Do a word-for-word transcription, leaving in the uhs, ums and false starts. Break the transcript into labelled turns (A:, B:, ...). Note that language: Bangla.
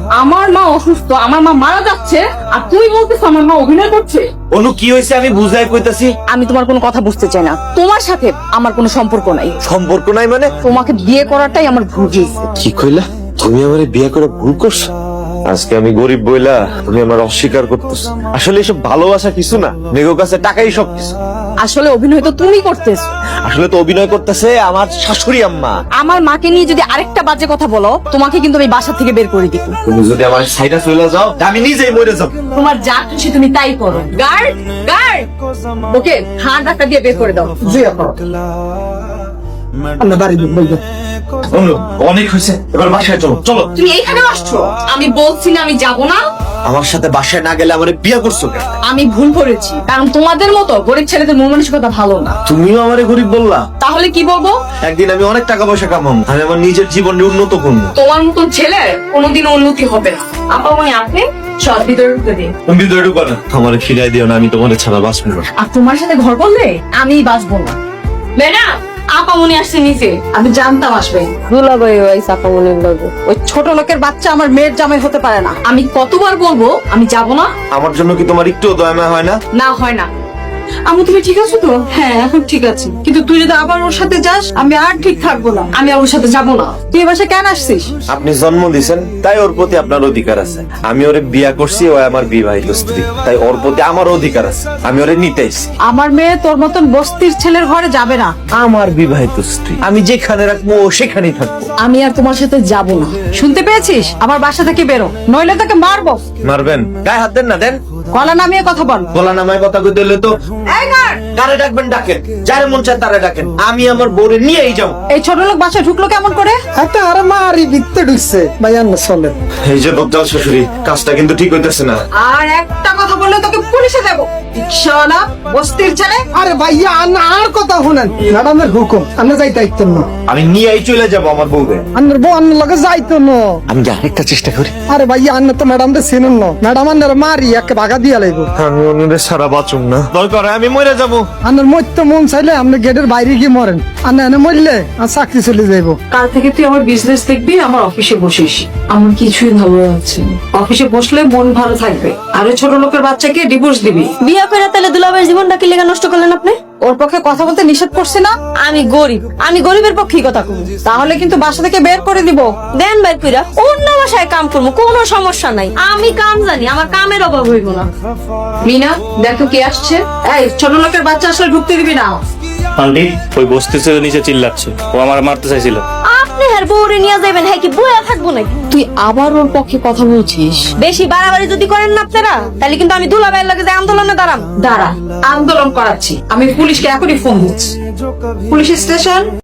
A: আমার মা অসুস্থ, আমার মা মারা যাচ্ছে, আর তুই বলতেছ আমার মা অভিনয় করছে।
B: অনু কি হয়েছে আমি বুঝাই কইতাছি।
A: আমি তোমার কোনো কথা বুঝতে চাই না, তোমার সাথে আমার কোনো সম্পর্ক নাই।
B: সম্পর্ক নাই মানে?
A: তোমাকে বিয়ে করাটাই আমার ভুল হয়েছে।
B: কি কইলা? তুমি আমারে বিয়ে করে ভুল করছো? আজকে আমি গরিব বইলা তুমি আমার অস্বীকার করতেছ। আসলে এসব ভালোবাসা কিছু না, মেঘের কাছে টাকাই সব কিছু।
A: আসলে অভিনয় তো তুমি করতেছ।
B: আসলে তো অভিনয় করতেছে আমার শাশুড়ি আম্মা।
A: আমার মাকে নিয়ে যদি আরেকটা বাজে কথা বলো, তোমাকে কিন্তু আমি বাসা থেকে বের করে দিব।
B: তুমি যদি আমার সাইডে চলে যাও আমি নিজেই মরে যাব।
A: তোমার যা খুশি তুমি তাই করো। গার্ড, গার্ড, ওকে হাত ধাক্কা দিয়ে বের করে দাও।
C: জি আপা, আমরা বাড়ি বলবো।
B: অনু অনেক হয়েছে, এবার বাসায় চলো। চলো।
A: তুমি এইখানে আসছো? আমি বলছি না আমি যাব না।
B: আমার সাথে বাসায় না গেলে আমারে বিয়ে করছো কেন?
A: আমি ভুল করেছি, কারণ তোমাদের মতো গরিব ছেলেদের মন মানসিকতা ভালো না।
B: তুমিও আমারে গরিব বললা।
A: তাহলে কি বলবো?
B: একদিন আমি অনেক টাকা পয়সা কামাবো, আমি আমার নিজের জীবনে উন্নত করবো।
A: তোমার মতন ছেলে কোনোদিন উন্নতি হবে না। আপা মনে আপনি সব ভিতরে ঢুকে দিন।
B: তুমি ভিতরে ঢুকো না, আমারে ফিরাই দিও না, আমি তোমার ছাড়া বাঁচবো না।
A: আর তোমার সাথে ঘর করলে আমি বাঁচবো না। ম্যাডাম, আপা মনে আসছে নিচে। আমি জানতাম আসবে।
D: দুলাভাই ওই চাপামনির লগে ওই ছোট লোকের বাচ্চা আমার মেয়ের জামাই হতে পারে না।
A: আমি কতবার বলবো আমি যাব না?
B: আমার জন্য কি তোমার একটু দয়া মায়া হয় না?
A: না হয় না। আমু তুমি ঠিক আছো তো?
D: হ্যাঁ এখন ঠিক আছে, কিন্তু তুই যদি আবার ওর সাথে যাস আমি আর ঠিক থাকবো না।
A: আমি আর ওর সাথে যাব না।
D: তুই এ বাসায় কেন আসছিস?
B: আপনি জন্ম দিয়েছেন তাই ওর প্রতি আপনার অধিকার আছে। আমি ওরে বিয়া করছি, ও আমার বিবাহিত স্ত্রী, তাই ওর প্রতি আমার অধিকার আছে। আমি ওরে নিতেইছি।
D: আমার মেয়ে তোর মতন বস্তির ছেলের ঘরে যাবে না।
B: আমার বিবাহিত স্ত্রী, আমি যেখানে রাখবো ও সেখানেই থাকবো।
A: আমি আর তোমার সাথে যাব না।
D: শুনতে পেয়েছিস? আমার বাসা থেকে বেরো, নইলে তোকে মারবো।
B: মারবেন? গায়ে হাত দেন না, দেন।
D: গলা নামিয়ে কথা বল।
B: গলা নামায় কথা কইতে হলে তো
D: এই গার,
B: কারে ডাকবেন ডাকেন, যারে মন চায় তারে ডাকেন। আমি আমার বউরে নিয়েই যাবো।
D: এই ছোট লোক বাসায় ঢুকলো কেমন করে?
C: একটা আর মারি ভিতরে ঢুকছে ভাই, আন্ন চলেন।
B: এই যে বকজাল শাশুড়ি, কাজটা কিন্তু ঠিক হইতেছে না।
D: আর একটা কথা বললে তোকে পুলিশে দেবো। রিকশাওয়ালা, বস্তির ছেলে।
C: আরে ভাইয়া আন্না আর কথা শুনেন, ম্যাডামের হুকুম, আমরা যাই দায়িত্ব না।
B: আমি নিয়েই চলে যাবো আমার বউকে।
C: আন্নার বউ আন্নার লগে যাইতো না।
B: আমি যে আরেকটা চেষ্টা করি।
C: আরে ভাইয়া আন্না তো ম্যাডাম রে চিনেন না, ম্যাডাম আন্নার মারি একে ভাগা দিয়া লাগবো।
B: আমি অন্যদের সারা বাঁচুম না, দরকার হয় আমি মরে যাবো।
C: আন্নার মরতে মন চাইলে আপনি গেটের বাইরে গিয়ে মরেন, আন্না এনে মরলে আর চাকরি চলে যাইবো।
D: কাল থেকে তুই আমার বিজনেস দেখবি, আমার অফিসে বসিস। আমার কিছুই ভালো লাগছে না। অফিসে বসলে মন ভালো থাকবে, আর ওই ছোট লোকের বাচ্চাকে ডিভোর্স দিবি।
E: বিয়ে করে তাহলে দুলাভাইয়ের জীবনটা কি লেগে নষ্ট করলেন আপনি?
D: ওর পক্ষে কথা বলতে নিষেধ করছি না?
E: আমি গরিব, আমি গরিবের পক্ষেই কথা কব।
D: তাহলে কিন্তু বাসা থেকে বের করে দিব।
E: দেন বাইর কইরা অন্য বাসায় কাম করবো, কোনো সমস্যা নাই। আমি কাম জানি, আমার কামের অভাব হইব না।
D: মিনা দেখো কে আসছে। এই ছোট লোকের বাচ্চা আসলে ঢুকতে দিবি না।
F: আন্টি ওই বস্তি ছেলে নিচে চিল্লাচ্ছে, ও আমার মারতে চাইছিল।
E: আপনি হ্যার বউরে নিয়ে যাবেন, হ্যাঁ কি বইয়া থাকবো নাকি?
A: তুই আবার ওর পক্ষে কথা বলছিস?
E: বেশি বাড়াবাড়ি যদি করেন না আপনারা, তাহলে কিন্তু আমি দুলাভাইয়ের লগে যে আন্দোলনে দাঁড়াম।
D: দাঁড়া, আন্দোলন করাচ্ছি। আমি পুলিশকে এখনই ফোন দিচ্ছি। Police station.